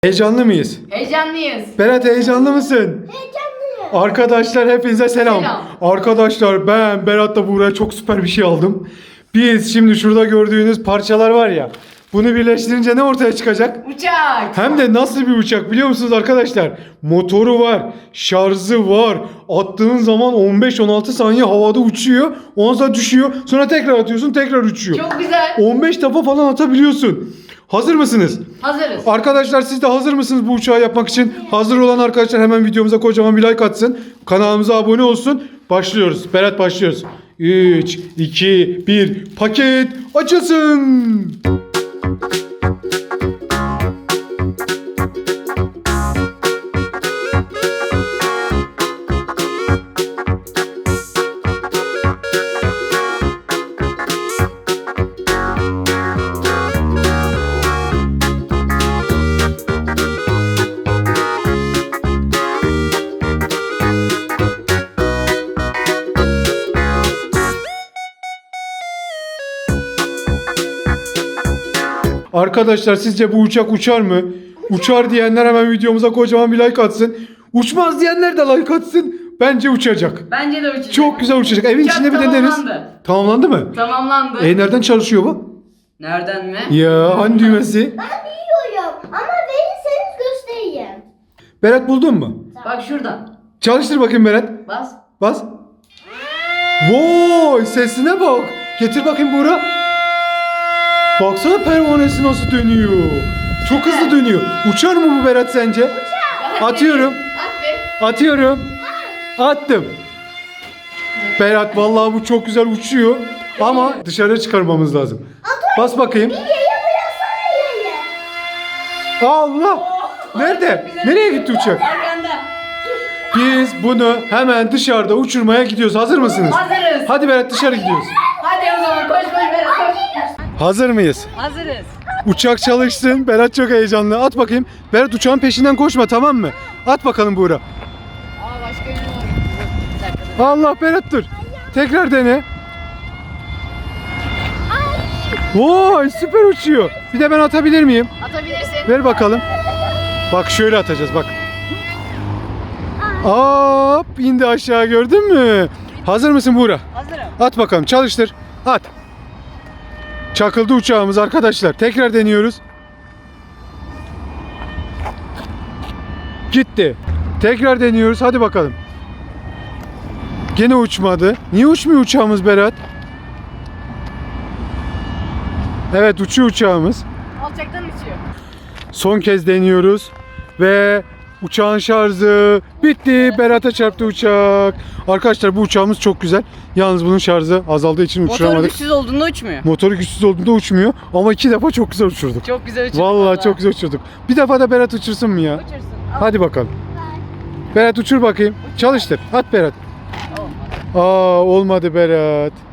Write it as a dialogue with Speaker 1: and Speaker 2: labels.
Speaker 1: Heyecanlı mıyız?
Speaker 2: Heyecanlıyız.
Speaker 1: Berat heyecanlı mısın?
Speaker 3: Heyecanlıyım.
Speaker 1: Arkadaşlar hepinize selam.
Speaker 2: Selam.
Speaker 1: Arkadaşlar ben Berat'la Buğra'ya çok süper bir şey aldım. Biz şimdi şurada gördüğünüz parçalar var ya. Bunu birleştirince ne ortaya çıkacak?
Speaker 2: Uçak.
Speaker 1: Hem de nasıl bir uçak biliyor musunuz arkadaşlar? Motoru var, şarjı var. Attığın zaman 15-16 saniye havada uçuyor. Ondan sonra düşüyor. Sonra tekrar atıyorsun, tekrar uçuyor.
Speaker 2: Çok güzel.
Speaker 1: 15 defa falan atabiliyorsun. Hazır mısınız?
Speaker 2: Hazırız.
Speaker 1: Arkadaşlar siz de hazır mısınız bu uçağı yapmak için? Hazır olan arkadaşlar hemen videomuza kocaman bir like atsın. Kanalımıza abone olsun. Başlıyoruz. Berat başlıyoruz. 3, 2, 1. Paket açılsın. Arkadaşlar sizce bu uçak uçar mı? Uçar diyenler hemen videomuza kocaman bir like atsın. Uçmaz diyenler de like atsın. Bence uçacak.
Speaker 2: Bence de uçacak.
Speaker 1: Çok güzel uçacak. Evin
Speaker 2: Uçak
Speaker 1: içinde bir deneriz.
Speaker 2: tamamlandı.
Speaker 1: Tamamlandı mı?
Speaker 2: Tamamlandı.
Speaker 1: Nereden çalışıyor bu?
Speaker 2: Nereden mi?
Speaker 1: Ya hani düğmesi?
Speaker 3: Ben biliyorum ama verirseniz göstereyim.
Speaker 1: Berat buldun mu?
Speaker 2: Bak şuradan.
Speaker 1: Çalıştır bakayım Berat.
Speaker 2: Bas.
Speaker 1: Bas. Vay sesine bak. Getir bakayım Buğra. Baksana pervanesi nasıl dönüyor. Çok hızlı dönüyor. Uçar mı bu Berat sence? Atıyorum.
Speaker 2: Aferin.
Speaker 1: Atıyorum. Attım. Berat vallahi bu çok güzel uçuyor. Ama dışarı çıkarmamız lazım. Bas bakayım.
Speaker 3: Yeye bıraksana yeye.
Speaker 1: Allah. Nerede? Nereye gitti uçak?
Speaker 2: Arkanda.
Speaker 1: Biz bunu hemen dışarıda uçurmaya gidiyoruz. Hazır mısınız?
Speaker 2: Hazırız.
Speaker 1: Hadi Berat dışarı gidiyoruz.
Speaker 2: Hadi o zaman koş koş Berat koş.
Speaker 1: Hazır mıyız?
Speaker 2: Hazırız.
Speaker 1: Uçak çalışsın. Berat çok heyecanlı. At bakayım. Berat uçağın peşinden koşma tamam mı? At bakalım Buğra.
Speaker 2: Aa başka biri var. Bir dakika.
Speaker 1: Allah Berat dur. Tekrar dene. Vay süper uçuyor. Bir de ben atabilir miyim?
Speaker 2: Atabilirsin.
Speaker 1: Ver bakalım. Bak şöyle atacağız bak. Hop indi aşağı gördün mü? Hazır mısın Buğra?
Speaker 2: Hazırım.
Speaker 1: At bakalım çalıştır. At. Çakıldı uçağımız arkadaşlar. Tekrar deniyoruz. Gitti. Tekrar deniyoruz. Hadi bakalım. Gene uçmadı. Niye uçmuyor uçağımız Berat? Evet uçuyor uçağımız.
Speaker 2: Alçaktan uçuyor.
Speaker 1: Son kez deniyoruz. Ve uçağın şarjı bitti. Berat'a çarptı uçak. Arkadaşlar bu uçağımız çok güzel. Yalnız bunun şarjı azaldığı için
Speaker 2: Motoru
Speaker 1: uçuramadık.
Speaker 2: güçsüz olduğunda uçmuyor.
Speaker 1: Motoru güçsüz olduğunda uçmuyor. Ama 2 defa çok güzel uçurduk.
Speaker 2: Çok güzel uçuyor.
Speaker 1: Vallahi çok güzel uçurduk. Bir defa da Berat uçursun mu ya?
Speaker 2: Uçursun.
Speaker 1: Hadi bakalım. Berat uçur bakayım. Çalıştır. At Berat.
Speaker 2: Olmadı.
Speaker 1: Olmadı Berat.